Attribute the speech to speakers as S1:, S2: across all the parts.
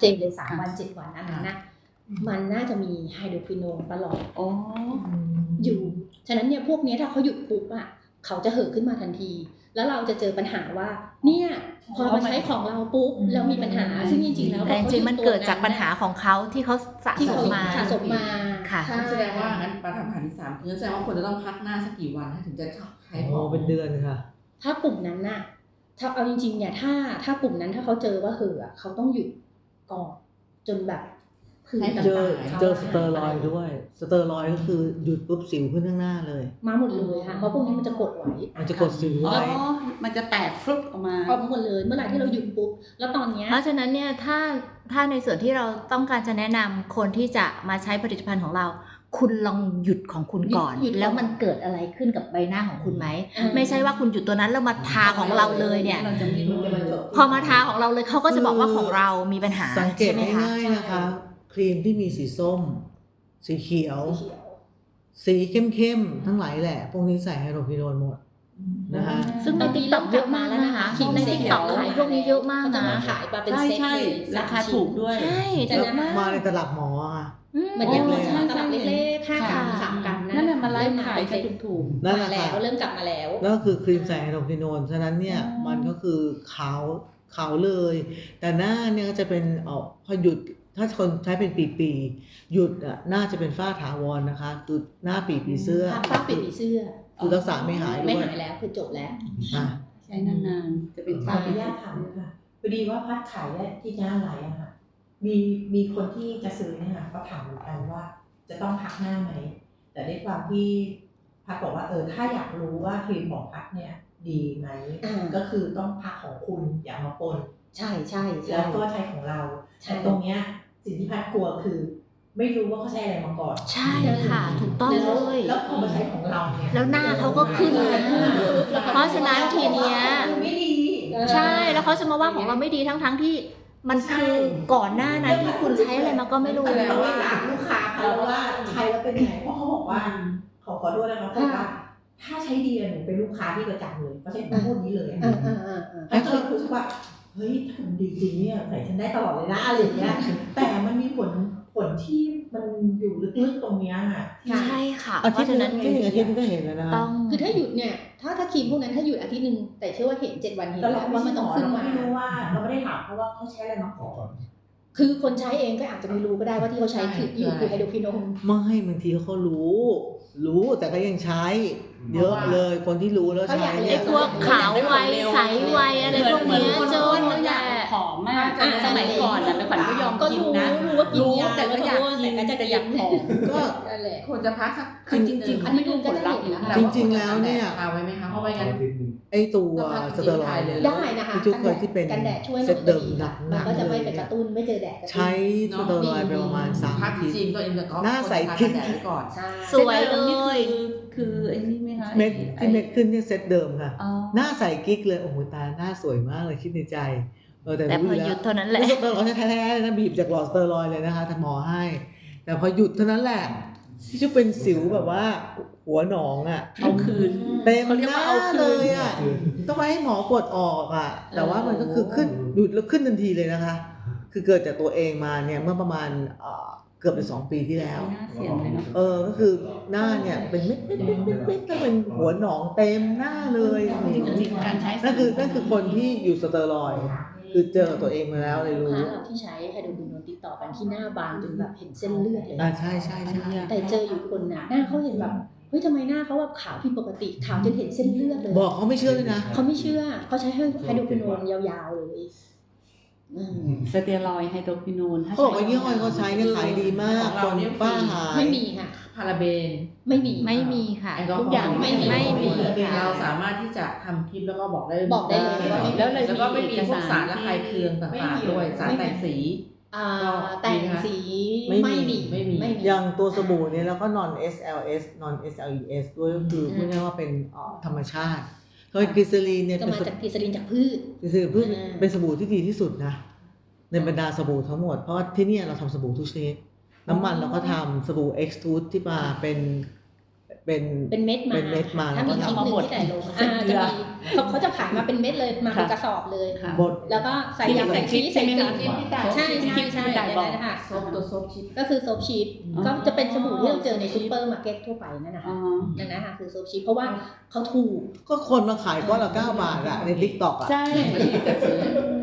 S1: เจนเลย3 วัน 7 วันอันนั้นนะมันน่าจะมีไฮโดรควิโนนตลอดอยู่ฉะนั้นเนี่ยพวกนี้ถ้าเขาหยุดปุ๊บอ่ะเขาจะเห่อขึ้นมาทันทีแล้วเราจะเจอปัญหาว่าเนี่ยพอมาใช้ของเราปุ๊บแล้วมีปัญหาซึ่งจริงๆแล้ว
S2: แต่จริงๆมันเกิดจากปัญหาของเขาที่เขาสะสมมา
S3: ค่ะแสดงว่างั้นปัญหาที่3คือแสดงว่าคนจะต้องพักหน้าสักกี่วันถึงจะใช้ของ
S4: เป็นเดือนค่ะ
S1: ถ้ากลุ่มนั้นน่ะถ้าเอาจริงๆเนี่ยถ้ากลุ่มนั้นถ้าเขาเจอว่าเห่อเขาต้องหยุดก่อนจนแบบ
S4: เจอสเตอรอยด์ด้วยสเตอรอยด์ก็คือหยุดปุ๊บสิวขึ้นข้างหน้าเลย
S1: มาหมดเลยค่ะเพราะพวกนี้มันจะกดไว้
S4: มันจะกดสิวไว้
S3: มันจะแตกฟลุ๊บออกมา
S1: หมดเลยเมื่อไหร่ที่เราหยุดปุ๊บแล้วตอนนี้
S2: เพราะฉะนั้นเนี่ยถ้าในส่วนที่เราต้องการจะแนะนำคนที่จะมาใช้ผลิตภัณฑ์ของเราคุณลองหยุดของคุณก่อนแล้วมันเกิดอะไรขึ้นกับใบหน้าของคุณไหมไม่ใช่ว่าคุณหยุดตัวนั้นแล้วมาทาของเราเลยเนี่ยพอมาทาของเราเลยเขาก็จะบอกว่าของเรามีปัญหา
S4: สังเกตง่ายๆนะคะครีมที่มีสีส้มสีเขียวสีเข้มๆทั้งหลายแหละพวกนี้ใส่ไฮโดรควิโนนหมดนะคะ
S2: ซึ่งในTikTokเยอะมากแล้วนะคะในTikTokขายพวกนี้เยอะมากนะ
S1: ขายมาเป็นเซ็ตเลย
S3: ราคาถูกด้วย
S2: ใช่
S4: แต่มาในตลับหมอค่ะ
S1: เหมือนอย่างตลับเล็กๆค่าขายกัน
S3: นั่นแหละมาไล่ขายกันถูก
S4: ๆนั่นแหละ
S1: แล้วเริ่มกลับมาแล้ว
S4: แล้วคือครีมใส่ไฮโดรควิโนนฉะนั้นเนี่ยมันก็คือขาวเลยแต่หน้าเนี่ยก็จะเป็นพอหยุดถ้าคนใช้เป็นปีหยุดน่าจะเป็นฝ้าถาวรนะคะคือหน้าปีเสื้อ
S1: ฝ้าปีเสื้อ
S4: คือรักษาไม่หาย
S1: แล้วคือจบแล้ว
S3: ใช้นานๆจะเป็น
S5: ขออนุญาตถามค่ะพอดีว่าพัดขายที่หน้าไหลอะค่ะมีคนที่จะซื้อเนี่ยค่ะก็ถามเหมือนกันว่าจะต้องพักหน้าไหมแต่ด้วยความที่พัดบอกว่าถ้าอยากรู้ว่าครีมของพัดเนี่ยดีไหมก็คือต้องพักของคุณอย่ามาปน
S1: ใช่
S5: แล้วก็ใช้ของเราแต่ตรงเนี้ยสิ่งที่พัดกลัวคือไม่รู้ว่าเขาใช้อะไรมาก่อน
S2: ใช่ค่ะถูกต้องเลย
S5: แล้วพอมาใช้ของเราเนี่ย
S2: แล้วหน้าเขาก็ขึ้นเพราะฉะนั้นทีเนี้ย
S5: ไม่ดี
S2: ใช่แล้วเขาจะมาว่าของเราไม่ดีทั้งที่มันคือก่อนหน้านั้นที่คุณใช้อะไรมาก็ไม่รู้
S5: แล้วว่าลูกค้าเขาว่าใช้แล้วเป็นไงเพราะเขาบอกว่าขอโทษนะคะเพราะว่าถ้าใช้ดีหนูเป็นลูกค้าที่ประจำเลยเขาใช้พูดนี้เลยแล้วก็เลยรู้สึกว่าเฮ้ยถ้ามันดีจริงเนี่ยใส่ฉันได้ตลอดเลยนะอะไรอย่างเงี้ยแต่มันมีผลที่มันอยู่ลึกๆตรงเนี้ยค่ะ
S2: ใช่ค่ะ
S4: เพราะฉะนั้นที่1 อาทิตย์ก็เห็นแล้วนะคะ
S1: คือถ้าหยุดเนี่ยถ้าครีมพวกนั้นถ้าหยุดอาทิตย์นึงแต่เชื่อว่าเห็น7 วันเห็นแล้วว่ามันต้องขึ้นมา
S5: ไม่รู้ว่าเราไม่ได้ถามเพราะว่าเขาใช้อะไรมาก่อน
S1: คือคนใช้เองก็อาจจะไม่รู้ก็ได้ว่าที่เขาใช้คือไฮโดรควิโนน
S4: ไม่บางทีเขารู้แต่ก็ยังใช้เยอะเลยคนที่รู้แล้วใช้
S2: เนี่ยพวกขาวไวใสไวอะไรพวกนี้เจอหมดแหละ
S3: ผอมมากสมัยก่อนนะเป็นขวัญก็ยอมกินนะ
S1: รู้ว่ากินยา
S3: แต่ก็อยากกิน
S1: แต่อยากผอม
S4: ก็
S3: ควรจะพักสักจริงๆ
S1: อันนี้ก็ได้
S4: จริงๆแล้วเนี่ย
S3: เอาไว้ไหมคะเพราะว่างั้น
S4: ไอตัวสเตอรอยด์
S1: ได้นะคะ
S4: ทุกเคยที่เป็น
S1: กันแดดช่วย
S4: เซตเดิมหนัก
S1: ก็จะไม่ไปกระตุ้นไม่เจอแดด
S4: ใช้สเตอรอยด์ไปประมาณ3 อาทิตย์หน้าใสขึ้น
S3: ก่อน
S2: สวยเลย
S3: คือไอ้นี่ไหมคะ
S4: เม็ดขึ้นเนี่ยเซตเดิมค่ะหน้าใสกิ๊กเลยโอ้โหตาหน้าสวยมากเลยคิดในใจ
S2: แต่พอหยุดเท่านั้นแหละ
S4: สเตอรอยด์แท้ๆนะบีบจากหลอดสเตอรอยด์เลยนะคะทำหมอให้แต่พอหยุดเท่านั้นแหละที่จะเป็นสิวแบบว่าหัวหนองอ่ะ
S3: เอาคืน
S4: เต็มหน้าเลยอ่ะต้องไปให้หมอกดออกอ่ะแต่ว่ามันก็คือขึ้นหยุดแล้วขึ้นทันทีเลยนะคะคือเกิดจากตัวเองมาเนี่ยเมื่อประมาณเกือบจะ2 ปีที่แล้วก็คือหน้าเนี่ยเป็นเม็ดแล้วเป็นหัวหนองเต็มหน้าเลย
S3: การใช้
S4: นั่นคือคนที่อยู่สเตอรอยด์คือเจอตัวเองมาแล้วเลยรู้
S1: เราที่ใช้ไฮโดรควิโนนติดต่อกันที่หน้าบางจนแบบเห็นเส้นเลือดเลย
S4: ใช่
S1: แต่เจออยู่คนน่ะหน้าเขาเห็นแบบเฮ้ยทำไมหน้าเขาแบบขาวผิดปกติขาวจนเห็นเส้นเลือดเลย
S4: บอกเขาไม่เชื่อเลยนะ
S1: เขาไม่เชื่อเขาใช้ไฮโดรควิโนนยาวๆเลย
S3: สเตียรอยด์ไฮโดรควิโนน
S4: เขาบอกว่ายี่ห้อเขาใช้เนี่ยขายดีมากคนป้าหาย
S1: ไม่มีค่ะ
S3: พาราเบน
S2: ไม่มีค่ะ
S1: ทุกอย่างไม่มี
S3: เราสามารถที่จะทำคลิปแล้วก็บอกได้
S1: เลย
S3: แล้วก็ไม่มีพวกสารระคายเคืองต่างๆด้วยสารแต่งสี
S1: แต่งสีไม่มี
S4: อย่างตัวสบู่เนี่ยแล้วก็ non SLES ด้วยก็คือพูดง่ายๆว่าเป็นธรรมชาติโดยกลีเซอรีนเนี่ย
S1: จะมาจากกลีเซอรีนจากพืช
S4: เป็นสบู่ที่ดีที่สุดนะในบรรดาสบู่ทั้งหมดเพราะที่นี่เราทำสบู่ทุกชนิดน้ำมันเราก็ทำสบู่ X-Tooth ที่มาเป็น
S1: เป็นเม็ดมา
S4: เป็นเม็ดมา
S1: ถ้ามี
S4: แล้ว
S1: ชิ้น
S4: ก็
S1: หนึ่งที่ใส่ลงจะมีเขาจะขายมาเป็นเม็ดเลยมาเป็นกระสอบเลย
S3: ค่ะ
S4: บด
S1: แล้วก็ใส่ยาใส่ชีสใส่กลิ่นใช่ใช่ใช่อย่างนั้นนะคะ
S3: โซฟตัวโซฟชิป
S1: ก็คือโซฟชีสก็จะเป็นสบู่ที่เราเจอในซูเปอร์มาร์เก็ตทั่วไปนั่นนะคะนั่นนะคะคือโซฟชีสเพราะว่าเขาถูก
S4: ก็คนมาขายก้อนละ9 บาทอะใน TikTok อะ
S2: ใช่
S3: ไม่ได้แต่ซื้อก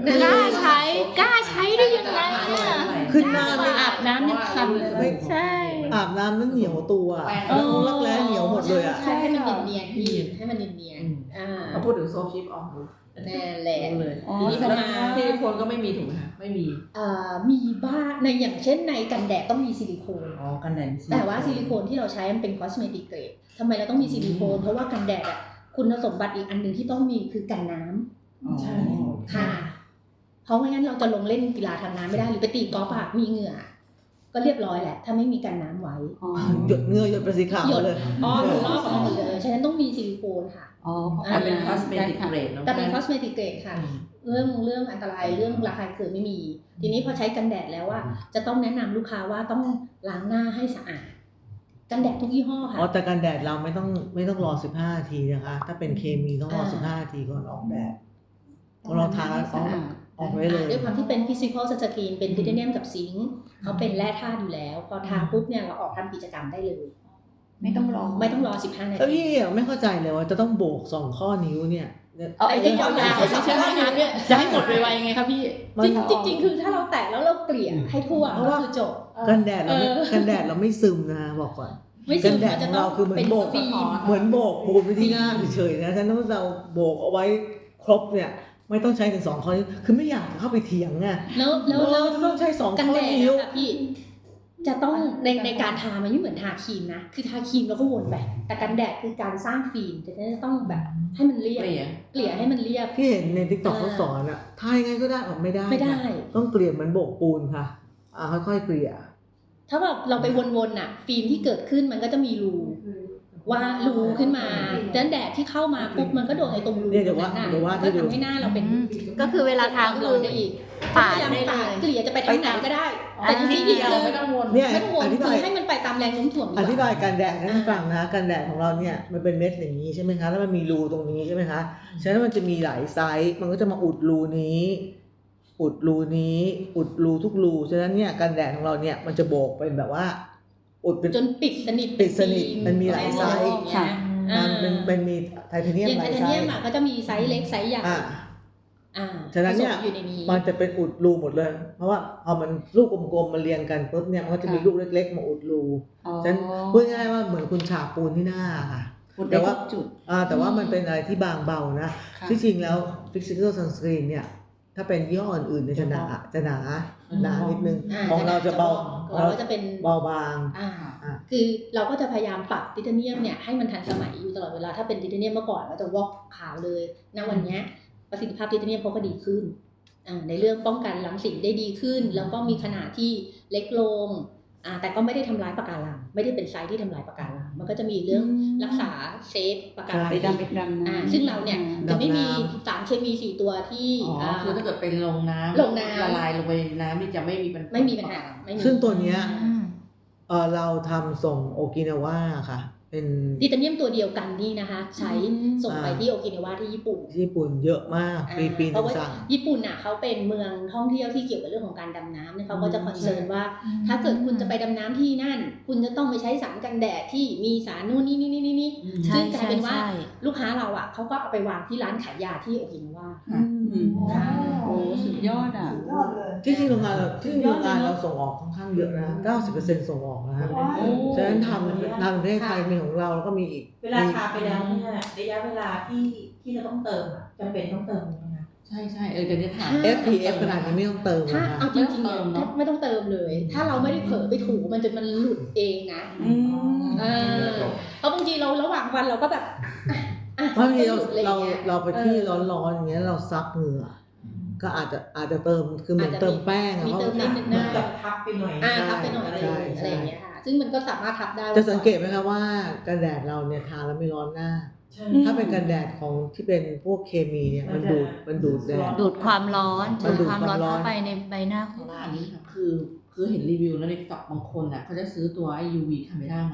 S2: ล้าใช้ได้ยังไงอ่ะ
S4: ขึ้นหน้าไม่
S2: อาบน้ำยังคันเลยใช่
S4: อาบน้ำนั้นเหนียวตัว
S3: แป้ง
S4: แล้วรักแร้เหนียวหมดเลยอะ
S1: ใช่ให้มันเนียนๆพี่ให้มันเนียนๆ
S3: พอพูดถึงโซฟชิปออกรู้
S1: นั่นแหละ
S3: เลย
S2: อ๋อ
S1: ทีนี้พอ
S3: แล้ว
S1: มา
S3: ซิลิโคนก็ไม่มีถูกไหมคะไม่มี
S1: มีบ้างในอย่างเช่นในกันแดดต้องมีซิลิโคน
S3: อ๋อกันแดด
S1: แต่ว่าซิลิโคนที่เราใช้มันเป็นคอสเมติกเกรดทำไมเราต้องมีซิลิโคนเพราะว่ากันแดดอ่ะคุณสมบัติอีกอันหนึ่งที่ต้องมีคือกันน้ำ
S3: ใช่
S1: ค่ะ เพราะไม่งั้นเราจะลงเล่นกีฬาทางน้ำไม่ได้หรือไปตีกอล์ฟอะมีเหงื่อ ก็เรียบร้อยแหละถ้าไม่มีกันน้ำไว้
S4: หยดเหงื่อหยดประสิทธิ์ขาว
S1: หยด
S4: เลย
S1: อยู่รอบออกหมดเลยฉะนั้นต้องมีซิลิโคนค่ะ
S2: อ๋อ
S3: แต่เป็นคอสเมติกเกรด
S1: แต่เป็นคอสเมติกเกรดค่ะ เรื่องอันตรายเรื่องราคาเกินไม่มี ทีนี้พอใช้กันแดดแล้วว่าจะต้องแนะนำลูกค้าว่าต้องล้างหน้าให้สะอาด กันแดดทุกยี่ห้อค่ะ
S4: อ๋อแต่กันแดดเราไม่ต้องรอ15 นาทีนะคะ ถ้าเป็นเคมีต้องรอ15 นาทีก่อนออกแดดเราทาแล้วออกไว้เลย
S1: ด้วยความที่เป็นฟิสิกอลสกรีนเป็นไทเทเนียมกับซิงค์เขาเป็นแร่ธาตุอยู่แล้ว พอทาปุ๊บเนี่ยเราออกทำกิจกรรมได้เลย
S2: ไม่ต้องรอ
S1: ไม่ต้องรอ15 นา
S4: แล้ว
S1: ที
S4: พี่ไม่เข้าใจเลยว่าจะต้องโบก2 ข้อนิ้วเนี่ย
S2: เอาไอ้ที่ยาวๆใช่ไหมคะจะให้หมดไวๆไงครับพี่
S1: จริงๆคือถ้าเราแตะแล้วเราเกลี่ยให้ทั่วก็คือจบ
S4: กันแดดเราไม่ซึมนะบอกก่อน
S1: ไม่
S4: กั
S1: ซึ
S4: น
S1: ม
S4: แดด
S1: มัน
S4: ข
S1: จะ
S4: อง
S1: ต้อ
S4: เรา
S1: ง
S4: คือเหมือน
S1: เป็น
S4: โบก
S1: ฟิล์ม
S4: เหมือนโบกปูนไปที่หน้าเฉยๆนะฉะนั้นถ้าเราโบกเอาไว้ครบเนี่ยไม่ต้องใช้ถึง2 ข้อนิ้วคือไม่อยากเข้าไปเถียงไง
S1: แล้ว
S4: จะต้องใช้2
S1: กัน
S4: ข้อ
S1: แดด
S4: นิ้ว
S1: นะคะพี่จะต้องในการทามันไม่เหมือนทาครีมนะคือทาครีมแล้วก็วนไปแต่กันแดดคือการสร้างฟิล์มจะต้องแบบให้มันเรียบเกลี่ยให้มันเรียบ
S4: ที่เห็นใน TikTok เขาสอนอะทายไงก็ได้ออกไม่ได้
S1: ไม่ได้
S4: ค่ะต้องเกลี่ยเหมือนโบกปูนค่ะค่อยๆเกลี่ย
S1: ถ้าแบบเราไปวนๆน่ะฟิล์มที่เกิดขึ้นมันก็จะมีรูว่ารูขึ้นมาดังแดดที่เข้ามาปุ๊บมันก็โดนไอ้ตรงรู
S4: เนี่ยเดี๋ยวว่า
S1: นั้น
S4: เดี๋ยวว่า
S1: ก็ทำให้หน้าเราเป็น
S2: ก็คือเวลาทา
S1: ความ
S2: ก็
S1: ร้
S2: คือ อน
S1: ได้อีก
S2: ปาดได้เลย
S1: เกลี่ยจะไปทางไหนก็ได้ แต่จริงๆ
S3: เดี
S1: คือ
S3: ไม่ต้องวน
S4: เนี่ย
S1: ไม่ต้องวน
S4: อธิ
S1: คื
S4: บาย
S1: อให้มันไปตามแรงโน้มถ่วง
S4: อธิบายกันแดดให้ฟังนะกันแดดของเราเนี่ยมันเป็นเม็ดอย่างนี้ใช่ไหมคะแล้วมันมีรูตรงนี้ใช่ไหมคะฉะนั้นมันจะมีหลายไซส์มันก็จะมาอุดรูนี้ อุดรูนี้อุดรูทุกรูฉะนั้นเนี่ยกันแดดของเราเนี่ยมันจะโบกเป็นแบบว่าอุดเป็น
S1: จนปิดสนิท
S4: ปิดสนิทมันมีหลายไซส์
S1: ค่ะ
S4: มันมีไทเทเนียม
S1: อย่าง
S4: ห
S1: ไท
S4: ลาย
S1: เท
S4: ไซ
S1: เนียม
S4: ส์
S1: อ่ะก็จะมีไซส์เล็กไซส์ใหญ่
S4: ฉะนั้นเนี่ย
S1: ผสมอยู่ในนี้
S4: มันจะเป็นอุดรูหมดเลย เพราะว่าพอมันลูกกลมๆมาเรียงกันปุ๊บเนี่ยมันก็จะมีลูกเล็กๆมาอุดรูฉะนั้นพูดง่ายๆว่าเหมือนคุณฉาบปูนที่หน้าค่ะ แต่ว่าแต่ว่ามันเป็นอะไรที่บางเบานะที่จริงแล้ว Physical Sunscreen เนี่ยถ้าเป็นยี่ห้ออื่นๆเนี่ยจะหนานิดนึงของเราจะเบา
S1: เราก็จะเป็น
S4: เบาบาง
S1: คือเราก็จะพยายามปรับไทเทเนียมเนี่ยให้มันทันสมัยอยู่ตลอดเวลาถ้าเป็นไทเทเนียมเมื่อก่อนก็จะวอกขาวเลยณวันเนี้ยประสิทธิภาพไทเทเนียมเขาก็ดีขึ้นในเรื่องป้องกันรังสีได้ดีขึ้น แล้วก็มีขนาดที่เล็กลงแต่ก็ไม่ได้ทำร้ายปะการังไม่ได้เป็นไซส์ที่ทำร้ายปะการังมันก็จะมีเรื่องรักษาเซฟปะการัง
S2: ไปดำนะ
S1: ซึ่งเราเนี่ยจะไม่มี
S4: ดำน้
S1: สารเคมี4ตัวที่
S3: คือถ้าเกิดเป็นลงน้ำ
S1: ลงน้ำ
S3: ละลายลงไปในน้ำนี่จะไม่มีปัญหา
S1: ไม่มีปัญหาไม่มี
S4: ซึ่งตัวเนี้ยเราทำส่งโอกินาวาค่ะ เป็น
S1: ไทเทเนียมตัวเดียวกันนี่นะคะใช้ส่งไปที่โอกินาวาที่ญี่ปุ่น
S4: ญี่ปุ่นเยอะมากปี
S1: เพ
S4: นึ
S1: ราะ
S4: ง
S1: ว่า
S4: สั่ง
S1: ญี่ปุ่นน่ะเขาเป็นเมืองท่องเที่ยวที่เกี่ยวกับเรื่องของการดำน้ำเนี่ยเขาก็จะคอนเซิร์นว่า ถ้าเกิดคุณจะไปดำน้ำที่นั่น คุณจะต้องไปใช้สารกันแดดที่มีสารนู่นนี่ซึ่งกลายเป็นว่าลูกค้าเราอ่ะเขาก็เอาไปวางที่ร้านขายยาที่โอกินาวา
S2: โอ้สุดยอดอ่ะ
S5: ยอดเลย
S4: ที่โรงงานเราส่งออกค่อนข้างเยอะนะ 90% ส่งออกนะฮะฉะนั้นทำประเทศไทยมีของเราแล้วก็มีอีก
S5: เวลาทาไปแล้วเนี่ยระยะเวลาที่เราต้องเติมอะจำเป็นต้องเติมไหมคะ
S3: ใช่เดี๋ยวจะถาม
S4: SPF ขนาดนี้ไม่ต้องเติม
S1: ถ้า
S4: นะคะ
S1: เอาจริงๆเนี่ยไม่ต้องเติมเลย ถ้าเราไม่ได้เผลอไปถูมันจนมันหลุดเองนะเพราะบางทีเราระหว่างวันเราก็แบบ
S4: บางทีเรา
S1: หลุดอะไรอย่างเงี้ย
S4: เราไปที่ร้อนๆอย่างเงี้ยเราซับเหงื่อก็อาจจะเติมคือเหมือนเติมแป้งอะ
S1: มีเติมนิดนึง
S5: เหมือน
S1: ได้
S5: กับทับไปหน่อย
S1: ทับไปหน่อยอะไรอย่างเงี้ยค่ะซึ่งมันก็สามารถทับได้
S4: จะสังเกตไหมคะว่ากันแดดเราเนี่ยทาแล้วไม่ร้อนหน้า ถ้าเป็นกันแดดของที่เป็นพวกเคมีเนี่ยมันดูดแดด
S2: ดูดความร้อน
S4: มันดูด
S2: ความร้อน
S4: ความร้อน
S2: เข้าไปในใบหน้าของ
S3: ว่า
S2: เรา
S3: อันนี้ค่ะคือเห็นรีวิวแล้วในติ๊กต็อกบางคนอ่ะเขาจะซื้อตัวไอ้ UV คาเมรามา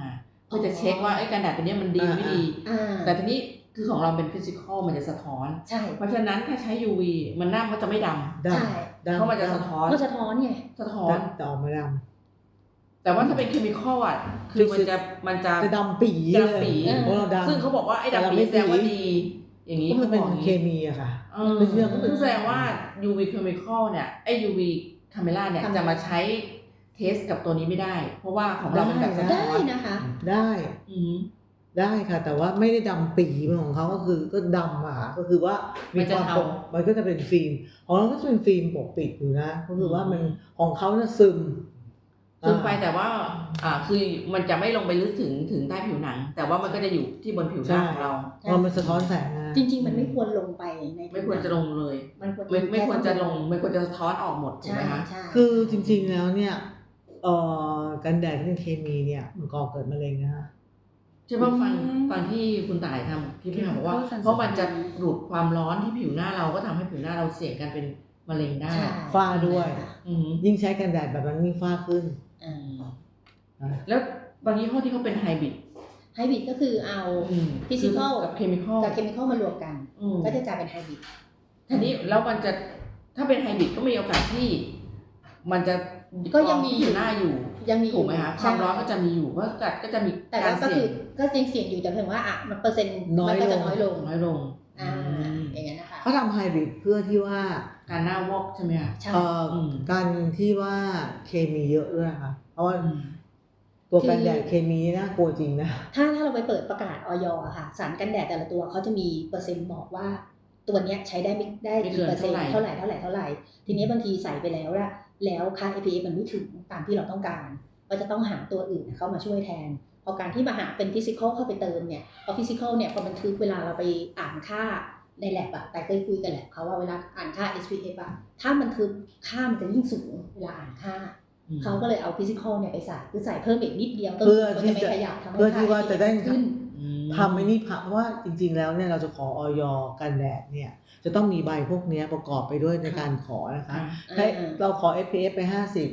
S3: เพื่อจะเช็คว่าไอ้กันแดดตัวเนี้ยมันดีไม่ดี แต่ทีนี้คือของเราเป็นฟิสิกอลมันจะสะท้อน
S1: ใช่
S3: เพราะฉะนั้นถ้าใช้ UV มันหน้ามันจะไม่ด
S4: ด
S1: ใช่
S4: ำดำ
S3: ำเพราะมันจะสะท้อน
S1: ก็สะท้อนไง
S3: สะท้อน
S4: แต่ออกมาด
S3: แต่ว่าถ้าเป็นเคมีคอลอ่ะคือมันจะ
S4: ำจะดำปี
S3: จะ
S4: เลย
S3: ดำปี
S4: เพราะเราดำ
S3: ซึ่งเขาบอกว่าไอ้
S4: แต่เรา
S3: ดำปี
S4: ไม่
S3: แสดงว่า
S4: ปี
S3: ดี อย่างนี้
S4: ก็มันเป็น
S3: ขาบอกอย่าง
S4: เค
S3: นี้
S4: มีอะค่ะ
S3: ซึ่ง
S4: เรื่องก็เป็น
S3: แสดงว่า UV chemical เนี่ยไอ้ UV camera เนี่ยจะมาใช้เทสกับตัวนี้ไม่ได้ เพราะว่าของเราเป็นแบบสะท้
S1: ได้
S3: อน
S1: นะคะ
S4: ได้
S3: อืม
S4: ได้ค่ะ แต่ว่าไม่ได้ดำปีเหมือนของเขาก็คือก็ดำอะค่ะก็คือว่ามี
S3: มันจะ
S4: ความ
S3: เทา
S4: ปกมันก็จะเป็นฟิล์มของเราก็จะเป็นฟิล์มปกปิดอยู่นะก็คือว่ามันของเขาเนี่ยซึม
S3: ซึมไปแต่ว่าคือมันจะไม่ลงไปลึกถึงใต้ผิวหนัง แต่ว่ามันก็จะอยู่ที่บนผิวหน้าของเรา
S4: พอมันสะท้อนแสงนะ
S1: จริง ๆ มันไม่ควรลงไปใน
S3: ไม่ควรจะลงเลย
S1: มันควร
S3: ไม่ควรจะลงไม่ควรจะสะท้อนออกหมดถูก
S1: ใช่
S3: ไหมคะ
S1: ใช่
S4: คือจริงๆแล้วเนี่ยกันแดดที่เป็นเคมีเนี่ยมันก่อเกิดมะเร็งนะคะ
S3: ใช่ป่ะฟังที่คุณต่ายทำที่พี่ถามบอกว่า เพราะมันจะดูดความร้อนที่ผิวหน้าเราก็ทำให้ผิวหน้าเราเสี่ยงกันเป็นมะเร็งได้
S1: ใช่
S4: ฝ้าด้วย
S3: อืม
S4: ยิ่งใช้กันแดดแบบนั้นยิ่งฝ้าขึ้น
S1: อ่า
S4: นะ
S3: แล้วบางยี่ห้อที่เขาเป็นไฮบริด
S1: ไฮบริดก็คือเอา physical
S3: กับเคมีคอล
S1: กับเคมีคอลมารวมกัน ก็จะกลายเป็นไฮบริด
S3: ทีนี้แล้วมันจะถ้าเป็นไฮบริดก็มีโอกาสที่มันจะ
S1: ก็ยังมี
S3: ที่ผิวหน้าอยู่
S1: ยังมี
S3: ถูกไหมคะความร้อนก็จะมีอยู่เพราะกัดก็จะมี
S1: แต่
S3: การ
S1: ว่าก็
S3: เสี่
S1: คื
S3: ย
S1: อง ก็ยังเสี่ยงอยู่แต่เพียงว่ามันเปอร์เซ็นต์
S4: น้อย
S1: มันก็จะ
S4: ลง
S1: น้อยลง
S3: น้อยลง
S1: อย่างนั้นนะคะ
S4: เขาทำไฮบริดเพื่อที่ว่า
S3: การหน้าวอกใช่ไหมคะ
S1: ใช่
S4: การที่ว่าเคมีเยอะด้วยค่ะ เพราะว่าตัวกันแดดเคมีน่ากลัวจริงนะ
S1: ถ้าเราไปเปิดประกาศออยอะค่ะสารกันแดดแต่ละตัวเขาจะมีเปอร์เซ็นต์บอกว่าตัวเนี้ยใช้ได้ไม่ได้กี่เปอร์เซ็นต์เท่าไหร่ทีนี้บางทีใส่ไปแล้วแล้วค่า SPF มันไม่ถึงตามที่เราต้องการก็จะต้องหาตัวอื่นเข้ามาช่วยแทนพอการที่มาหาเป็นฟิสิกอลเข้าไปเติมเนี่ยพอฟิสิกอลเนี่ยพอมันทึกเวลาเราไปอ่านค่าในแลบอะแต่เคยคุยกันแหละเขาว่าเวลาอ่านค่า SPF อะถ้ามันทึกค่ามันจะยิ่งสูงเวลาอ่านค่าเขาก็เลยเอาฟิสิกอลเนี่ยไปใส่คือใส่เพิ่มอีกนิดเดียว
S4: เพื่อที่
S1: ไม่
S4: จะ
S1: ขยับทำให้
S4: เพื่อที่ว่าจะได้
S1: ขึ้น
S4: ทำไอ้นี่เพราะว่าจริงๆแล้วเนี่ยเราจะขอออยกันแดดเนี่ยจะต้องมีใบพวกเนี้ยประกอบไปด้วยในการขอนะคะให้เราขอ SPF ไป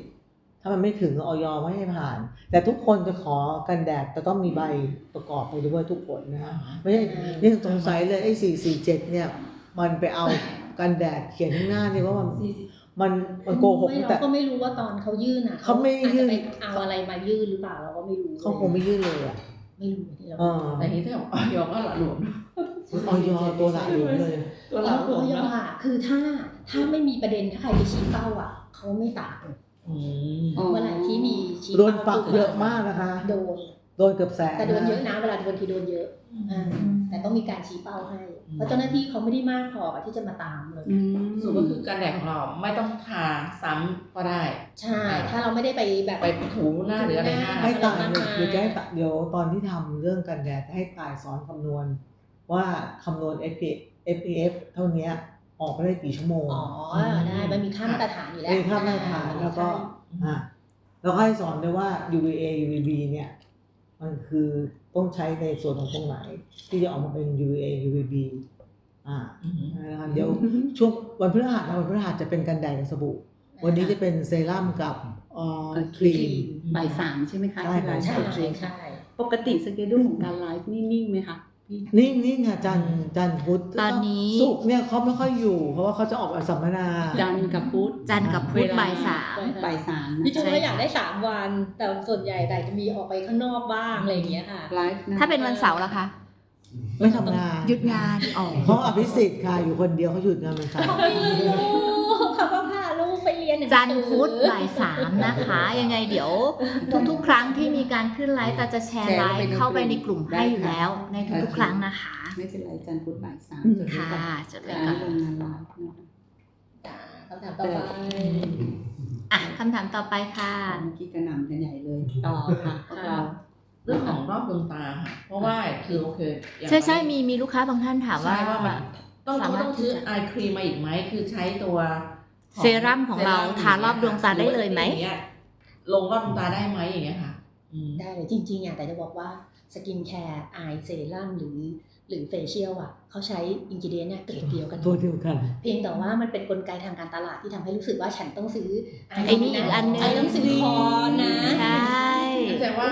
S4: 50 ถ้ามันไม่ถึงออยไม่ให้ผ่าน แต่ทุกคนจะขอกันแดดแต่ต้องมีใบประกอบไปด้วยทุกคนนะคะไม่ใช่นี่สงสัยเลยไอ้447เนี่ยมันไปเอากันแดดเขียนข้างหน้าเนี่ยว่ามันโกหก
S1: ไม่
S4: แต่
S1: เราก็ไม่รู้ว่าตอนเขายื่นอ่ะ
S4: เขาไม่ยื่น
S1: อาจจะไปเอาอะไรมายื่นหรือเปล่าเราก็ไม่รู้
S4: เขาคงไม่ยื่นเลยอ่ะ
S1: ไม่รู้ที่เรา
S3: แต่นี้ถ้าออยก็หละหลวมนะ
S4: ออยตัวหลักหลวมเลย
S3: ตัวห
S1: แล้
S3: ละ
S1: ว
S3: หลวม
S1: ก็ยัง
S3: นะ
S1: ค่ะคือถ้าไม่มีประเด็นถ้าใครไปชี้เป้าอ่ะเขาไม่ตัด
S3: อืม
S1: เมื่อไหร่ที่มีชี้
S4: โด
S1: เป้าน
S4: ปักเยอะมากนะคะ
S1: โดน
S4: เกือบแสน
S1: แต่โดนเยอะนะเวลาโดนทีโดนเยอะแต่ต้องมีการชี้เป้าให้เพราะเจ้าหน้าที่เขาไม่ได้มากพอที่จะมาตามเลย
S3: ส่วนก็คือการแดดของเราไม่ต้องทาซ้ำก็ได้
S1: ใช่ถ้าเราไม่ได้ไปแบบ
S3: ไปถูหน้าหรืออะไรหน้า
S4: ให้ตายเดี๋ยวจะให้เดี๋ยวตอนที่ทำเรื่องกันแดดให้ตายสอนคำนวณ ว่าคำนวณ SPF เท่านี้ออกไปได้กี่ชั่วโมง
S1: อ๋อได้มันมีค่ามาตรฐานอยู่แล้ว
S4: มีค่ามาตรฐานแล้วก็แล้วก็ให้สอนด้วยว่า UVA UVB เนี่ยมันคือต้องใช้ในส่วนของตรงไหน ที่จะออกมาเป็น UVA UVB นะครับเดี๋ยวช่วงวันพฤหัสจะเป็นกันแดดกับสบู่วันนี้จะเป็นเซรั่มกับครีม
S6: บ่าย 3ใช่ไหมคะ
S4: ใช่
S6: ที่ไลฟ์
S1: ใช่
S6: สด
S1: ใช่
S6: ปกติสเกดูของการไลฟ์นิ่งๆไหมคะพี่
S4: นิ่งค่ะจันทร์พุธ
S2: ตอนนี้
S4: ศุกร์เนี่ยเขาไม่ค่อยอยู่ เพราะว่าเขาจะออกสัมมนา
S6: จันทร์กับพุธ
S2: จันทร์กับพุธบ่าย
S6: บ่าย 3
S1: จริงๆ
S2: ใช่
S1: เราอยากได้3วัน แต่ส่วนใหญ่แต่จะมีออกไปข้างนอกบ้างอะไรอย่างเงี้ยค่ะ
S6: ไลฟ์ะ
S2: ถ้าเป็นวันเสาร์ล่ะคะ
S4: ไม่ทำงาน
S2: หยุดงานอ๋อ
S4: เพราะอภิสิทธิ์ค่ะอยู่คนเดียวเขาหยุดงานเป็นสาย
S1: เขาไม่รู้เขาก็พาลูกไปเรียนหงสือ
S2: จันทร์พุธบ่าย 3นะคะ ยังไงเดี๋ยวทุกๆครั้งที่มีการขึ้นไลฟ์ตาจะแชร์ไลฟ์เข้าไปในกลุ่มให้อยู่แล้วในทุกๆครั้งนะคะ
S6: ไม่เป็นไรจันทร์พุธบ่าย 3
S2: ค่ะจดไว้
S6: การ
S2: ก่อน
S6: ลงงานไลฟ์นะคะ
S1: คำถามต่อไป
S2: อ่ะคำถามต่อไปค่ะ
S6: เมื่อกี้กระหน่ำกันใหญ่เลยต่อค่ะพวกเรา
S3: เรื่องของรอบดวงตาค่ะ เพราะว่าคือโอเคอย่าง
S2: ใช่มีลูกค้าบางท่านถามว่า
S3: ใช่ว่ามันต้อง
S2: สามารถ
S3: ต้องซื้อไอครีมมาอีกไหมคือใช้ตัวของ
S2: เซรั่มของเราทารอบดวงตาได้เลยไหม
S3: รือว่าอย่างงี้ลงรอบดวงตาได้ไหมอย่างเงี้ยค่ะ
S1: ได้เลยจริงๆอ่ะแต่จะบอกว่าสกินแคร์ไอเซรั่มหรือเฟเชียลอ่ะเขาใช้อินกิเดียนเนี่ยเกรดเดียวกัน
S4: ตัวเดียวกัน
S1: เพียงแต่ว่ามันเป็นกลไกทางการตลาดที่ทำให้รู้สึกว่าฉันต้องซื้อ
S2: ไอ้นี่อีกอันนึง
S1: ไอ้ต้องซิลิคอนนะ
S2: ใช่
S3: แสดงว่า
S4: ไป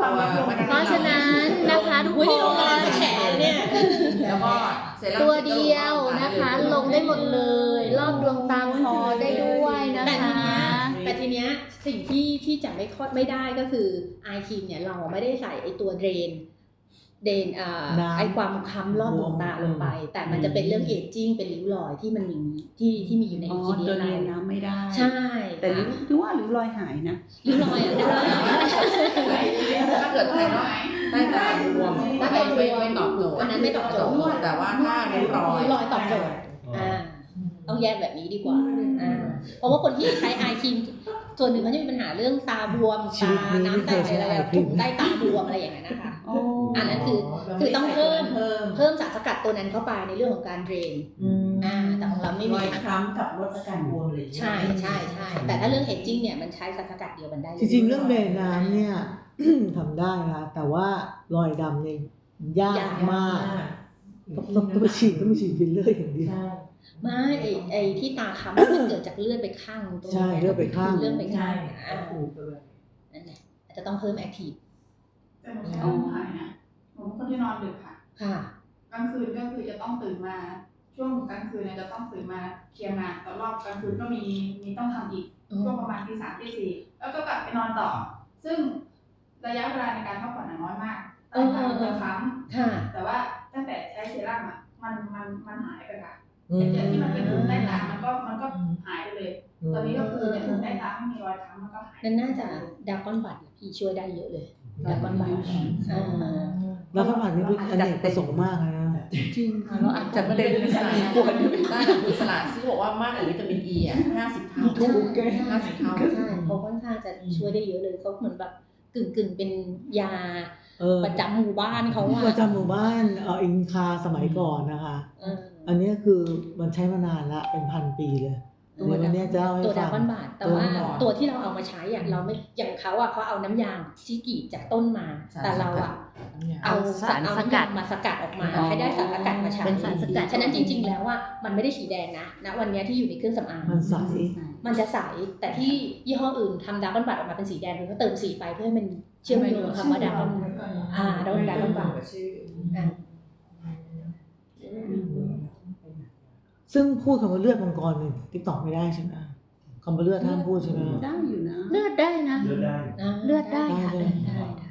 S2: เพราะฉะนั้นนะคะทุก
S1: อุ้ย
S2: ค
S1: นี่โรงงาน
S2: น
S1: แฉเนี่ย
S3: แล้วก็เซรั่ม
S2: ตัวเดียวนะคะ ลงได้หมดเลย รอบดวงตาคอได้ด้วยนะ
S1: แต่ที
S2: คะ
S1: เนี้ยทีเนี้ยสิ่งที่จะไม่ได้ก็คือไอครีมเนี่ยเราไม่ได้ใส่ไอตัวเดรน
S4: น้ำ
S1: ไอความค้ำรอบดวงตาลงไป แต่มันจะเป็นเรื่องเอจจิ้งเป็นริ้วรอยที่มันมีที่มีอยู่ใน
S6: อ๋อ
S1: อินกิเดี
S6: ตั
S1: ยว
S6: เรียน
S1: เรา
S6: น้ำไม่ได้
S1: ใช่
S6: แต่ริ้วหรือว่าริ้วรอยหายนะ
S1: ริ้วรอยอ่ะได้
S3: ถ้าเกิดภายนอกใต้ตาบวมไม่ตอบโจทย์
S1: อันนั้นไม่ตอบโจทย์
S3: แต่ว่าถ้าริ้วรอย
S1: ริ้วรอยตอบโจทย์ต้องแยกแบบนี้ดีกว่าเพราะว่าคนที่ใช้ไอครีมส่วนหนึ่งเขาจะมีปัญหาเรื่องตาบวม
S4: ชี
S1: ตา
S4: วิตนี้
S1: น้ำแตกอะไรแบบถุงใต้ตาบวมอะไรอย่างนั้นนะคะ
S6: อ๋อ
S1: อันนั้นคือต้องเพิ่มสารสกัดตัวนั้นเข้าไปในเรื่องของการเดรนแต่ของเราไม่
S5: ร
S1: มี
S5: อยคล้ำกับลดอาการบวมเลย
S1: ใช่แต่ถ้าเรื่องเอจจิ้งเนี่ยมันใช้สารสกัดเดียวกันได้ลย
S4: จริงๆเรื่องเดนน้ำเนี่ย ทำได้นะแต่ว่ารอยดำเนี่ยยากมากต้องไปฉีดฟิลเลอร์อย่างเดียว
S1: ไม่ไอที่ตาค้ำมันเกิดจากเลือดไปข้างตรง
S4: ใช่เลือดไปข้าง
S1: เลือดไปข้าง
S5: ใช่ถูกเลย
S1: นั่นแหละอาจจะต้องเพิ่มแอคทีฟ
S7: แต่หนูใช้ร่างกายนะหนูเป็นคนที่นอนดึกค่ะ
S1: ค่ะ
S7: กลางคืนก็คือจะต้องตื่นมา ช่วงกลางคืนเนี่ยจะต้องตื่นมาเคลียร์งานแต่รอบกลางคืนก็มีต้องทำอีก ช่วงประมาณตี 3 ตี 4แล้วก็กลับไปนอนต่อ ซึ่งระยะเวลาในการพักผ่อนน้อยมากตาจะค้
S1: ค่ะ
S7: ำแต่ว่าตั้งแต่ใช้เซรั่มอ่ะมันหายไปค่ะจากที่มันเป็นถุงใต้ตามันก็หายไปเลย ตอนนี้ก็คือเนี่ยถุงใต้ตาไม่มีรอยค้ำมันก็หาย
S1: นั่นน่าจะดาร์กอนบัตพี่ช่วยได้เยอะเลยดาร์กอนบัต
S4: แล้วก็ผ่านนี่เป็นอเนกประสงค์มากนะ
S6: จริงค่ะเราอาจจะเป็นสาเหตุ
S3: ได้จากอิสระที่บอกว่ามากกว่าวิตามินอีอ่ะ50 เท่า
S4: ถูกแก
S3: 50 เท่า
S1: ใช่เขาค่อนข้างจะช่วยได้เยอะเลยเขาเหมือนแบบกึ่งเป็นยาประจำหมู่บ้านเขาอะ
S4: ประจำหมู่บ้านอินคาสมัยก่อนนะคะ อันนี้คือมันใช้มานานละเป็นพันปีเลยเดี๋ยววันนี้จะเล่าให้
S1: ตัว
S4: ฟั
S1: ดาง ร์กอนบาทแต่ว่า
S4: ดาร์กอนบาท
S1: ตัวที่เราเอามาใช้อะเราไม่อย่างเขาอะเขาเอาน้ำยางที่กรีดจากต้นมา แต่เราอะเอาสารสกัดมาสกัดออกมาให้ได้สารสกัดมาใช้
S2: เป็นสารสกัด
S1: ฉะนั้นจริงๆแล้วว่ามันไม่ได้สีแดงนะวันนี้ที่อยู่ในเครื่องสำอาง
S4: มันใส
S1: มันจะใสแต่ที่ยี่ห้ออื่นทำดาร์กอนบัตออกมาเป็นสีแดงคือเขาเติมสีไปเพื่อให้มันเชื่อมโยงกับคำว่าดาร์กอนดาร์กอนบัต
S4: ซึ่งพูดคำว่าเลือดมังกรในติ๊กต็อกไม่ได้ใช่ไหมคำว่าเลือดห้ามพูดใช่ไหม
S6: ได้อยู่นะ
S2: เลือดได้นะ
S8: เลือดได้
S2: เลือดได้ค่ะ
S4: ได้
S2: เลือดได้